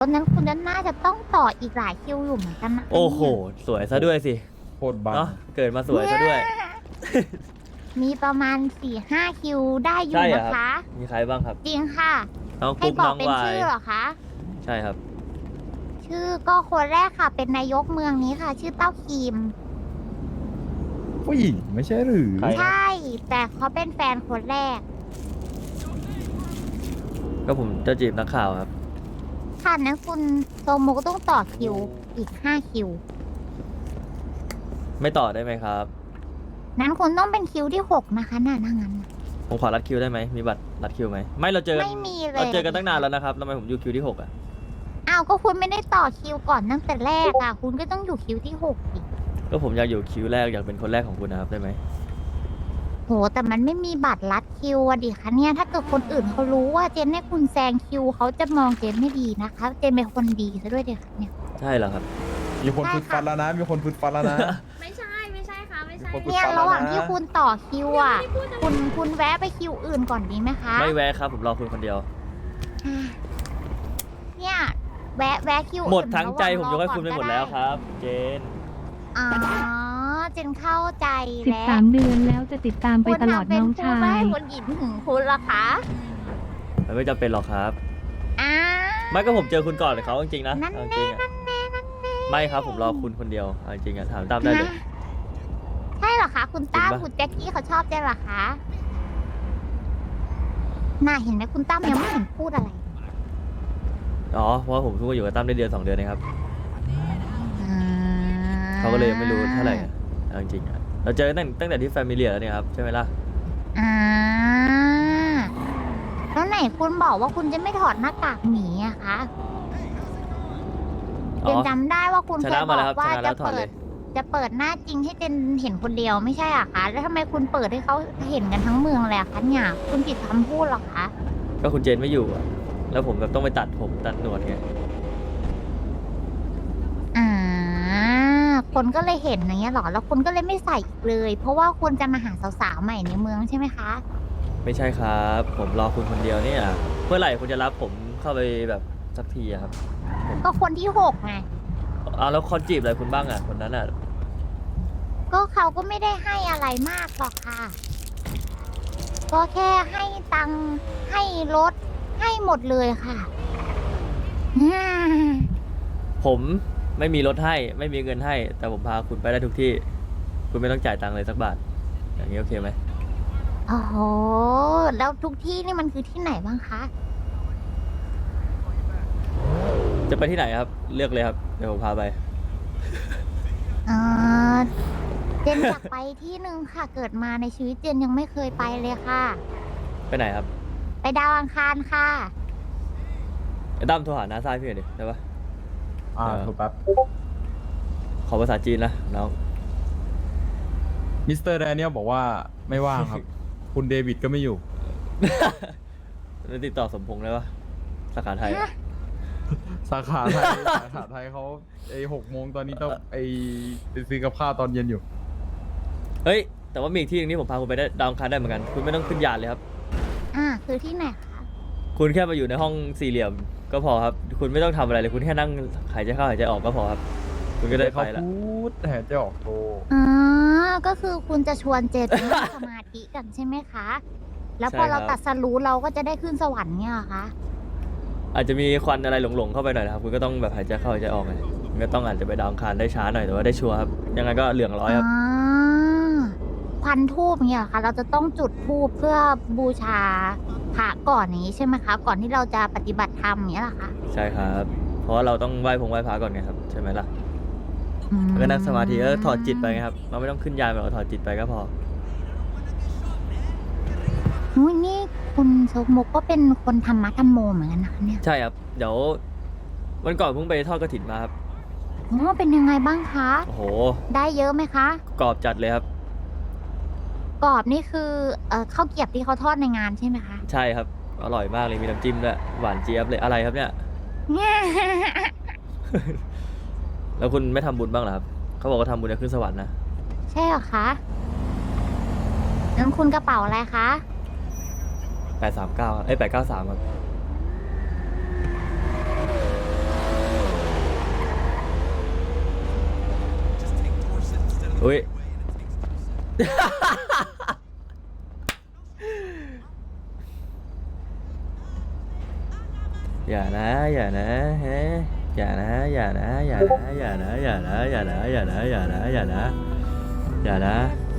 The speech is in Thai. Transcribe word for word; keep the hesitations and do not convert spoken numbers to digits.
ตอนนั้นคุณจะน่าจะต้องต่ออีกหลายคิวอยู่เหมือนกันนะโอ้โหสวยซะด้วยสิโคตรบังเนาะเกิดมาสวยซะด้วยมีประมาณสี่ห้าคิวได้อยู่ใช่เหรอนะครัคะบ มีใครบ้างครับจริงค่ะน้องให้กุ๊กบอน้กองเป็นวายชื่อเหรอคะใช่ครับชื่อก็คนแรกค่ะ เป็นนายกเมืองนี้ค่ะ ชื่อเต้าคีมผู้หญิงไม่ใช่หรือใครใช่ แต่เขาเป็นแฟนคนแรกก็ผมจะจีบนักข่าวครับค่ะนั้นคุณโซโมก็ต้องต่อคิวอีกห้าคิวไม่ต่อได้ไหมครับนั้นคุณต้องเป็นคิวที่หกนะคะน่าถ้างั้นน่ะผมขอรัดคิวได้ไหมมีบัตรรัดคิวไหมไม่เราเจอกันไม่มีเลยเราเจอกันตั้งนานแล้วนะครับทำไมผมอยู่คิวที่หกอ่ะอ้าวก็คุณไม่ได้ต่อคิวก่อนตั้งแต่แรกอ่ะ คุณก็ต้องอยู่คิวที่หกอีกก็ผมอยากอยู่คิวแรกอยากเป็นคนแรกของคุณนะครับได้ไหมโห แต่มันไม่มีบัตรลัดคิวอะดิคะเนี่ย ถ้าเกิดคนอื่นเขารู้ว่าเจนให้คุณแซงคิวเขาจะมองเจนไม่ดีนะคะ เจนเป็นคนดีซะด้วยเดีคะเนี่ยใช่เหรอครับมีคนฟึดฟันแล้วนะ มีคนฟึดฟันแล้วนะไม่ใช่ ไม่ใช่ค่ะ ไม่ใช่มีคนเนี่ยฟังแล้วนะระหว่างที่คุณต่อคิวอ่ะ คุณคุณแวะไปคิวอื่นก่อนดีไหมคะไม่แวะครับผมรอคุณคนเดียวอ่าเนี่ย แวะแวะคิวอื่นหมดทั้งใจระผมว่ายกให้คุณไปหมดแล้วครับ เจนอ๋อ เจนเข้าใจสิบแล้วสามเดือนแล้วจะติดตามไปตลอดน้องชาคุณทำเป็นพูดไม่ยให้คนหญิงถึงคุณเหรอคะมันไม่จำเป็นหรอกครับอ่าไม่ก็ผมเจอคุณก่อนเขาจริงๆนะนั่นเอาจแน่ริงๆอะนั่นแน่นั่นแน่ไม่ครับผมรอคุณคนเดียวเอาจริงๆอะถามตามได้เลยนะใช่เหรอคะ คุณตั้มจริงปะคุณแจ็คกี้เขาชอบเจนเหรอคะน่าเห็นไหมคุณตั้มยังไม่เห็นพูดอะไรอ๋อเพราะว่าผมเพิ่งมาอยู่กับตั้มได้เดือนสองเดือนนะครับอ่เขาก็เลยยังไม่รู้เท่าไหร่อะเอาจริงๆอะเราเจอกันตั้งตั้งแต่ที่แฟมิเลียแล้วเนี่ยครับใช่ไหมล่ะอ่าแล้วไหนคุณบอกว่าคุณจะไม่ถอดหน้ากากหมีอะคะอ๋เจอนจำได้ว่าคุณชเคนะยบมาอแล้วคกรับว่าชนะแล้จะวถอดเปิเลดยจะเปิดหน้าจริงให้เจนเห็นคนเดียวไม่ใช่อะคะ แล้วทำไมคุณเปิดให้เขาเห็นกันทั้งเมืองเลยอะคะเนี่ยคุณผิดคำพูดเหรอคะก็คุณเจนไม่อยู่อะแล้วผมแบบต้องไปตัดผมตัดหนวดไงอ่า คนก็เลยเห็นอย่างเงี้ยเหรอ แล้วคุณก็เลยไม่ใส่อีกเลย เพราะว่าคุณจะมาหาสาวๆใหม่ในเมืองใช่ไหมคะไม่ใช่ครับ ผมรอคุณคนเดียวเนี่ยเมื่อไหร่คุณจะรับผมเข้าไปแบบสักทีอะครับก็คนที่หกไงเอาแล้วคนจีบอะไรคุณบ้างอะคนนั้นอะก็เขาก็ไม่ได้ให้อะไรมากหรอกค่ะ ก็แค่ให้ตังค์ให้รถให้หมดเลยค่ะ อ่าผมไม่มีรถให้ไม่มีเงินให้ แต่ผมพาคุณไปได้ทุกที่ คุณไม่ต้องจ่ายตังค์เลยสักบาท อย่างนี้โอเคไหมโอ้โห แล้วทุกที่นี่มันคือที่ไหนบ้างคะจะไปที่ไหนครับ เลือกเลยครับเดี๋ยวผมพาไปเออเจนอยากไปที่หนึ่งค่ะ เกิดมาในชีวิตเจนยังไม่เคยไปเลยค่ะไปไหนครับไปดาวอังคารค่ะไอ้ตั้มโทรหาน้าซ้ายพี่หน่อยดิได้ปะอ่าเออถูกแป๊บขอภาษาจีนนะน้องมิสเตอร์แดเนียลบอกว่าไม่ว่างครับ คุณเดวิดก็ไม่อยู่แล้วติดต่อสมพงษ์ได้ปะสาขาไทยอะสาขาไทย สาขาไทยเขาไอหกโมงตอนนี้ต้องไอไปซื้อกับข้าวตอนเย็นอยู่เฮ้ย แต่ว่ามีอีกที่หนึงที่ผมพาคุณไปได้ดาวอังคารได้เหมือนกัน คุณไม่ต้องขึ้นยานเลยครับอ่า คือที่ไหนคะคุณแค่มาอยู่ในห้องสี่เหลี่ยมก็พอครับ คุณไม่ต้องทำอะไรเลย คุณแค่นั่งหายใจเข้าหายใจออกก็พอครับ คุณก็ได้ไปเขาละพูดแต่จะออกโทรอ๋อ ก็คือคุณจะชวนเจนไปนั่งสมาธิกันใช่ไหมคะ แล้วพอเราตัดสรู้เราก็จะได้ขึ้นสวรรค์เนี่ยเหรอคะอาจจะมีควันอะไรหลงๆเข้าไปหน่อยนะครับ คุณก็ต้องแบบหายใจเข้าหายใจออกไงมันก็ต้องอาจจะไปดาวอังคารได้ช้าหน่อยแต่ว่าได้ชัวร์ครับ ยังไงก็เหลืองร้อยครับอ๋อควันทูบเนี่ยเหรอคะ เราจะต้องจุดทูบเพื่อบูชาพระก่อนอย่างนี้ใช่ไหมคะ ก่อนที่เราจะปฏิบัติธรรมอย่างนี้ยเหรอคะใช่ครับ เพราะว่าเราต้องไหว้พงไหว้พระก่อนไงครับใช่ไหมล่ะอืมแล้วก็นั่งสมาธิแล้วถอดจิตไปไงครับ เราไม่ต้องขึ้นยานแบบถอดจิตไปก็พออุ๊ยนี่คุณโซกมกก็เป็นคนธรรมะธรรมโมเหมือนกันนะคะเนี่ยใช่ครับ เดี๋ยววันก่อนเพิ่งไปทอดกระถินมาครับอ๋อเป็นยังไงบ้างคะโอ้โหได้เยอะไหมคะกรอบจัดเลยครับกรอบนี่คือเอ่อข้าวเกรียบที่เขาทอดในงานใช่ไหมคะใช่ครับ อร่อยมากเลย มีน้ำจิ้มด้วย หวานเจี๊ยบเลย อะไรครับเนี่ย แล้วคุณไม่ทำบุญบ้างเหรอครับ เขาบอกว่าทำบุญจะขึ้นสวรรค์นะใช่เหรอคะงั้นคุณกระเป๋าอะไรคะแปดสามเก้าเอ้ยแปดเก้าสามครับอุ้ย อย่านะอย่านะเฮ้อย่านะอย่านะอย่านะอย่านะอย่านะอย่านะอย่านะอย่านะอย่านะอย่านะ